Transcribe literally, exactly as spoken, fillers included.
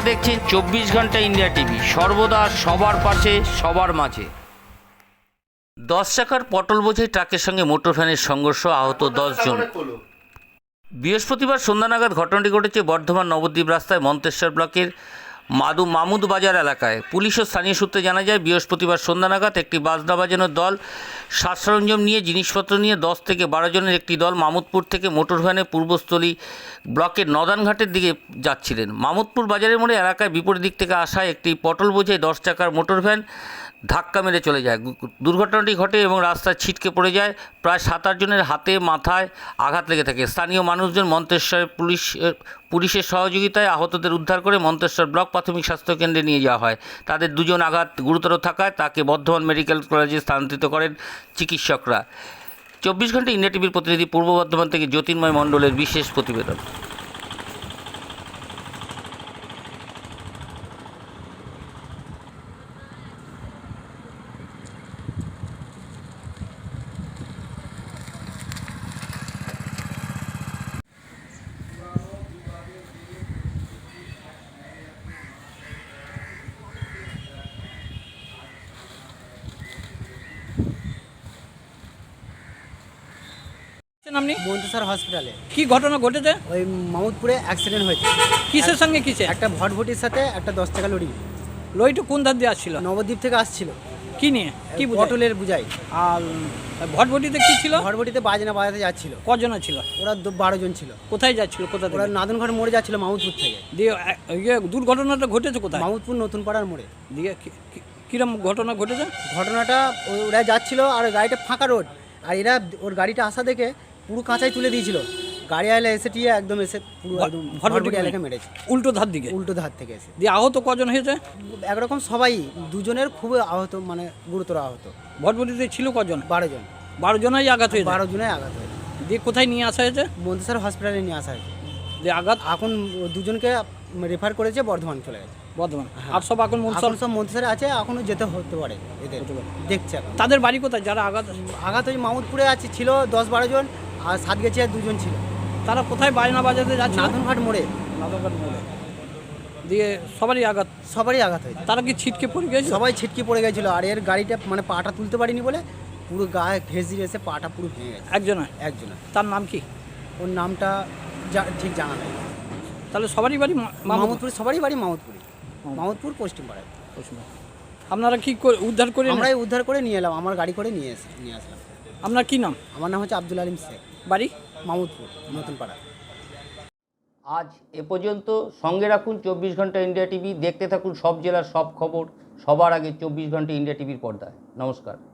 আপনারা দেখছেন চব্বিশ ঘন্টা ইন্ডিয়া টিভি, সর্বদা সবার পাশে সবার মাঝে। দশ চাকার পটল বোঝাই ট্রাকের সঙ্গে মোটর ভ্যানের সংঘর্ষ, আহত দশ জন। বৃহস্পতিবার সন্ধ্যা নাগাদ ঘটনাটি ঘটেছে বর্ধমান নবদ্বীপ রাস্তায় মন্তেশ্বর ব্লকের মাদু মামুদ বাজার এলাকায়। পুলিশ ও স্থানীয় সূত্রে জানা যায়, বৃহস্পতিবার সন্ধ্যা নাগাদ একটি বাজনা বাজানোর দল সাজ সরঞ্জাম নিয়ে জিনিসপত্র নিয়ে দশ থেকে বারো জনের একটি দল মামুদপুর থেকে মোটর ভ্যানে পূর্বস্থলী ব্লকের নদানঘাটের দিকে যাচ্ছিলেন। মামুদপুর বাজারের মোড়ে এলাকায় বিপরীত দিক থেকে আসা একটি পটল বোঝাই দশ চাকার মোটর ভ্যান ধাক্কা মেরে চলে যায়। দুর্ঘটনাটি ঘটে এবং রাস্তায় ছিটকে পড়ে যায়। প্রায় সাত আট জনের হাতে মাথায় আঘাত লেগে থাকে। স্থানীয় মানুষজন মন্তেশ্বর পুলিশ পুলিশের সহযোগিতায় আহতদের উদ্ধার করে মন্তেশ্বর ব্লক প্রাথমিক স্বাস্থ্যকেন্দ্রে নিয়ে যাওয়া হয়। তাদের দুজন আঘাত গুরুতর থাকায় তাকে বর্ধমান মেডিকেল কলেজে স্থানান্তরিত করেন চিকিৎসকরা। চব্বিশ ঘন্টা ইন্ডিয়া টিভির প্রতিনিধি পূর্ব বর্ধমান থেকে জ্যোতির্ময় মণ্ডলের বিশেষ প্রতিবেদন। আপনি মন্তেশ্বর হসপিটালে কি ঘটনা ঘটেছে? ওই মামুদপুরে অ্যাক্সিডেন্ট হয়েছে। কিসের সঙ্গে কিসে? একটা ভটভটির সাথে একটা দশ টাকা লরি। লরিটা কোন ধার দিয়ে আসছিল? নবদ্বীপ থেকে আসছিল। কি নিয়ে? কি বোঝায়? পটলের বুঝাই। আর ভটভটিতে কি ছিল? ভটভটিতে বাজনা বাজাতে যাচ্ছিল। কজন ছিল? ওরা দু- বারো জন ছিল। কোথায় যাচ্ছিল? কোথা ওরা থেকে? নাদনঘাট মোড়ে যাচ্ছিল মামুদপুর থেকে। দিয়ে এ- ইয়ে দুর্ঘটনাটা ঘটেছে কোথায়? মামুদপুর নতুন পাড়ার মোড়ে। দিয়ে কি- কি- কিরম ঘটনা ঘটেছে? ঘটনাটা ও- ওরা যাচ্ছিল আর গাড়িটা ফাঁকা রোড, আর এরা ওর গাড়িটা আসা দেখে পুরো কাঁচাই তুলে দিয়েছিল। গাড়ি আইলে এসে টিয়ে একদম এসে পুরো ভট- একদম ভটভটি ভটভটি এলাকায় মেরেছে। উল্টো ধার দিকে? উল্টো ধার থেকে এসে দিয়ে আহত কজন হয়েছে? একরকম সবাই, দুজনের খুবই আহত, মানে গুরুতর আহত। ভটভটিতে ছিল কজন? বারো জন। বারো জনাই আঘাত হয়েছে? বারো জনের আঘাত হয়েছে। দিয়ে কোথায় নিয়ে আসা হয়েছে? মন্তেশ্বর হসপিটালে নিয়ে আসা হয়েছে। দিয়ে আঘাত এখন দুজনকে রেফার করেছে, বর্ধমান চলে গেছে। বর্ধমান। হ্যাঁ। আর সব এখন মনসর? এখন সব মন্তেশ্বরে আছে, এখনো যেতে হতে পারে এদের, হতে পারে। দেখছে এখন। তাদের বাড়ি কোথায় যারা আঘাত? আঘাত ওই মামুদপুরে আছে, ছিল দশ বারো জন, আর সাতগেছিয়ার দুজন ছিল। তারা কোথায় বাজনা বাজাতে যাচ্ছে? নাদনঘাট মোড়ে। নাদনঘাট মোড়ে। দিয়ে সবারই আঘাত? সবারই আঘাত হয়েছে। তারা কি ছিটকে পড়ে গেছে? সবাই ছিটকে পড়ে গেছিলো, আর এর গাড়িটা মানে পাটা তুলতে পারিনি বলে পুরো গায়ে ঘেঁষ দিয়ে এসে পাটা পুরো ভেঙে গেছে। একজনের? একজনের। তার নাম কি? ওর নামটা যা ঠিক জানা নেই। তাহলে সবারই বাড়ি মা- মামুদপুর? মামুদপুর, সবারই বাড়ি মামুদপুরে। মামুদপুর পশ্চিম পাড়ায়। আপনারা কি করে উদ্ধার করে এনে- আমরাই উদ্ধার করে নিয়ে এলাম, আমার গাড়ি করে নিয়ে এসে নিয়ে আসলাম। আপনার কি নাম? আমার নাম হচ্ছে আব্দুল আলিম শেখ, বাড়ি? মামুদপুর নতুন পাড়া। আজ এ পর্যন্ত। সঙ্গে রাখুন চব্বিশ ঘন্টা ইন্ডিয়া টিভি। দেখতে থাকুন সব জেলার সব খবর সবার আগে চব্বিশ ঘন্টা ইন্ডিয়া টিভির পর্দায়। নমস্কার।